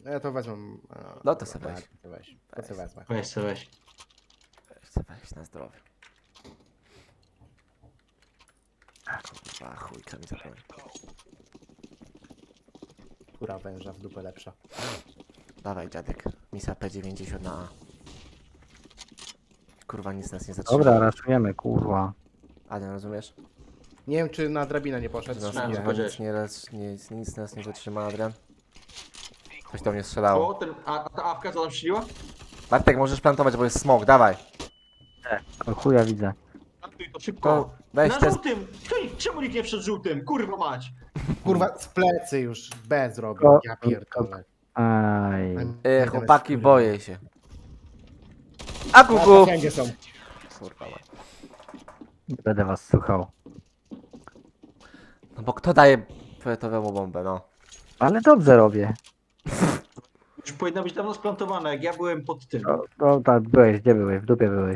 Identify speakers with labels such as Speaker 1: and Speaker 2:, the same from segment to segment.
Speaker 1: Ja to wezmę.
Speaker 2: No to sobie weź.
Speaker 1: Tak, to weź. To sobie wezmę.
Speaker 3: Weź se, weź.
Speaker 2: Weź na zdrowie. Kurwa, chujka mi zapomnę.
Speaker 1: Kura węża w dupę lepsza.
Speaker 2: Dawaj dziadek, misa P90 na A. Kurwa, nic nas nie zatrzyma.
Speaker 4: Dobra, raszujemy, kurwa.
Speaker 2: Adrian, rozumiesz?
Speaker 1: Nie wiem, czy na drabinę nie poszedł.
Speaker 2: Nas,
Speaker 1: czy
Speaker 3: Znałem,
Speaker 1: nie.
Speaker 3: że powiedziałeś.
Speaker 2: nic nas nie zatrzyma, Adrian. Coś do mnie strzelało.
Speaker 3: O, a ta awka co tam strzeliła?
Speaker 2: Bartek, możesz plantować, bo jest smok, dawaj.
Speaker 4: O chuja widzę.
Speaker 3: Plantuj to
Speaker 2: To
Speaker 3: szybko.
Speaker 2: weź
Speaker 3: Na
Speaker 2: te...
Speaker 3: żółtym! Czemu nikt nie przed żółtym? Kurwa mać!
Speaker 1: Kurwa, z plecy już B zrobił.
Speaker 4: O,
Speaker 1: Ja pierdolę.
Speaker 4: Aj.
Speaker 2: Chłopaki, boję się. A kuku!
Speaker 1: Wszędzie są.
Speaker 2: Kurwa, mać.
Speaker 4: Nie będę was słuchał.
Speaker 2: No bo kto daje poetowemu bombę, no?
Speaker 4: Ale dobrze robię.
Speaker 3: Już powinna być dawno splantowana, jak ja byłem pod tym.
Speaker 4: No tak, byłeś, gdzie byłeś? W dupie byłeś.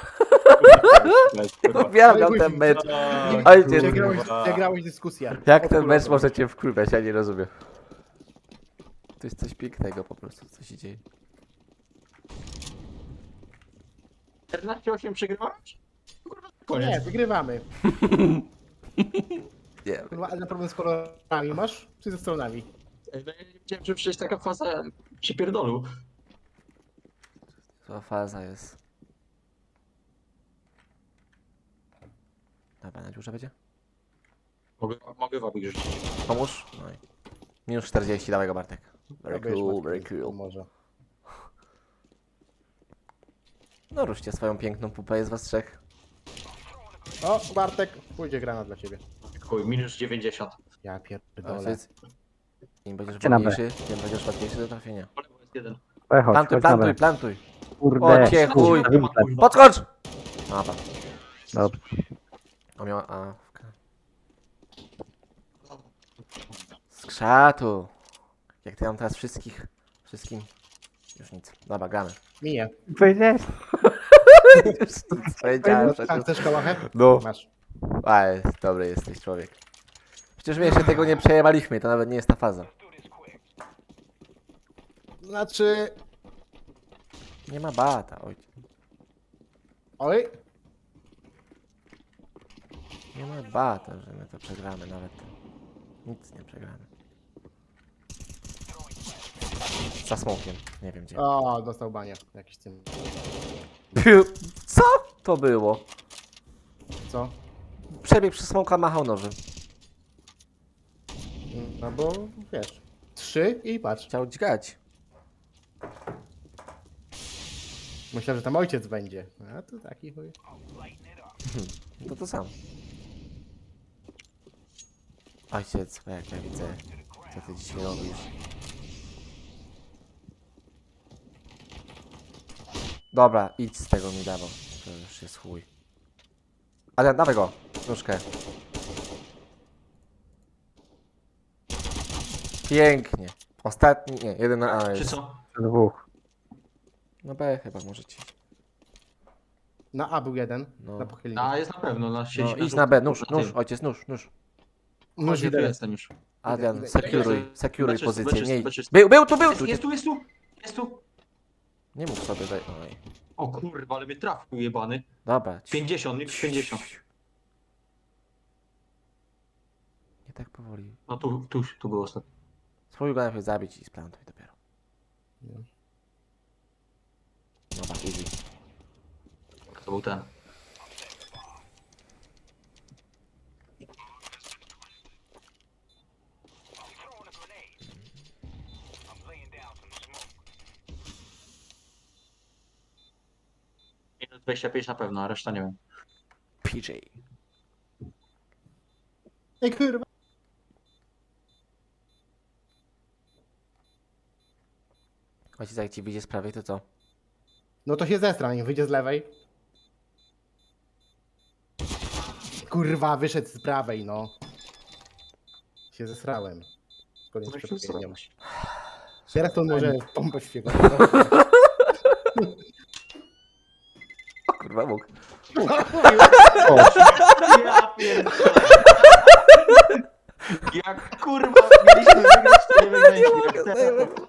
Speaker 2: Uwielbiam ten mecz. Ojciec,
Speaker 1: Przegrałeś dyskusję.
Speaker 2: jak ten mecz może cię wkurwiać, ja nie rozumiem. To jest coś pięknego po prostu, co się dzieje.
Speaker 3: 14-8 przegrywałeś? Kurwa,
Speaker 1: Nie,
Speaker 3: koniec.
Speaker 1: wygrywamy.
Speaker 2: Nie,
Speaker 1: Kurwa, ale problem z kolorami masz? Czy ze stronami?
Speaker 3: Ja nie wiedziałem, że przecież taka faza się pierdolu.
Speaker 2: to faza jest. Dobra, na dziurze będzie?
Speaker 3: Mogę wabik rzucić.
Speaker 2: Pomóż? No i... Minus 40, dawaj go Bartek. Very
Speaker 1: Robisz,
Speaker 2: cool,
Speaker 1: Mateusz,
Speaker 2: very cool.
Speaker 1: Może.
Speaker 2: No ruszcie swoją piękną pupę, jest was trzech.
Speaker 1: O, Bartek, pójdzie granat dla ciebie.
Speaker 3: Chuj, minus 90.
Speaker 1: Ja pierdolę.
Speaker 2: Ojciec. Im będziesz
Speaker 4: Chodźcie na B.
Speaker 2: ładniejszy, tym będziesz łatwiejszy do trafienia.
Speaker 3: Po lewo jest jeden.
Speaker 4: Chodź,
Speaker 2: Plantuj,
Speaker 4: chodź na
Speaker 2: plantuj,
Speaker 4: B.
Speaker 2: plantuj.
Speaker 4: Kurde.
Speaker 2: O, cię chuj.
Speaker 4: na winkle.
Speaker 2: Podskocz! Dobra.
Speaker 4: Dobrze.
Speaker 2: On miał awkę. Z krzatu. Jak ty mam teraz wszystkim. Już nic. Dobra, gramy.
Speaker 1: Minie.
Speaker 4: Powiedziałeś?
Speaker 2: Powiedziałem, że
Speaker 1: A chcesz kałachę?
Speaker 2: No.
Speaker 1: Masz.
Speaker 2: Ale dobry jesteś człowiek. Przecież my jeszcze tego nie przejęliśmy, to nawet nie jest ta faza.
Speaker 1: Znaczy...
Speaker 2: Nie ma bata, oj.
Speaker 1: Oj,
Speaker 2: Nie ma bata, że my to przegramy nawet. Nic nie przegramy. Za smokiem, nie wiem gdzie.
Speaker 1: o, dostał banie. Jakiś tym.
Speaker 2: Co to było?
Speaker 1: Co?
Speaker 2: Przebieg przez smoka, machał nożem.
Speaker 1: No bo, wiesz. 3 i patrz.
Speaker 2: Chciał dźgać.
Speaker 1: Myślałem, że tam ojciec będzie. A tu taki chuj.
Speaker 2: To sam. Ojciec, bo jak ja widzę, co ty dzisiaj robisz. Dobra, idź z tego mi dawał. To już jest chuj. Ale dawaj go, nóżkę. Pięknie. Ostatni, nie, jeden na A
Speaker 3: Czy
Speaker 2: jest.
Speaker 3: co?
Speaker 4: Dwóch.
Speaker 2: No B chyba możecie.
Speaker 1: Na A był jeden.
Speaker 2: No.
Speaker 1: Na pochyleniu.
Speaker 3: A, jest na pewno, na siedzi
Speaker 2: No idź na B, nóż, ojciec, nóż.
Speaker 1: Nóż
Speaker 3: Nóż
Speaker 1: widzę.
Speaker 3: jestem już.
Speaker 2: Adrian,
Speaker 1: Idę.
Speaker 2: securuj
Speaker 3: Beczysto,
Speaker 2: pozycję, nie idź.
Speaker 3: beczysto.
Speaker 2: Był tu!
Speaker 3: Jest tu!
Speaker 2: Nie mów sobie, daj. Oj.
Speaker 3: O kurwa, ale mnie trafił jebany.
Speaker 2: Dobra.
Speaker 3: 50, nie 50.
Speaker 2: Nie tak powoli.
Speaker 3: No tu było ostatnio.
Speaker 2: Spróbuj go najpierw zabić i splantuj dopiero.
Speaker 1: No.
Speaker 2: Dobra, easy.
Speaker 3: To był ten. Minus 25 na pewno, a reszta nie wiem.
Speaker 2: PJ.
Speaker 1: Ej, kurwa.
Speaker 2: Ojciec, jak ci wyjdzie z prawej, to co?
Speaker 1: No to się zestrań, wyjdzie z lewej. Kurwa, wyszedł z prawej, no. Się zesrałem. Koniec
Speaker 3: No i się
Speaker 1: przepowiednią.
Speaker 3: zrobić.
Speaker 1: Teraz to może pompę świego.
Speaker 2: O kurwa, mógł.
Speaker 3: Ja pierdolę. Jak kurwa mieliśmy wygrać, to nie wygraliśmy. Jak teraz, to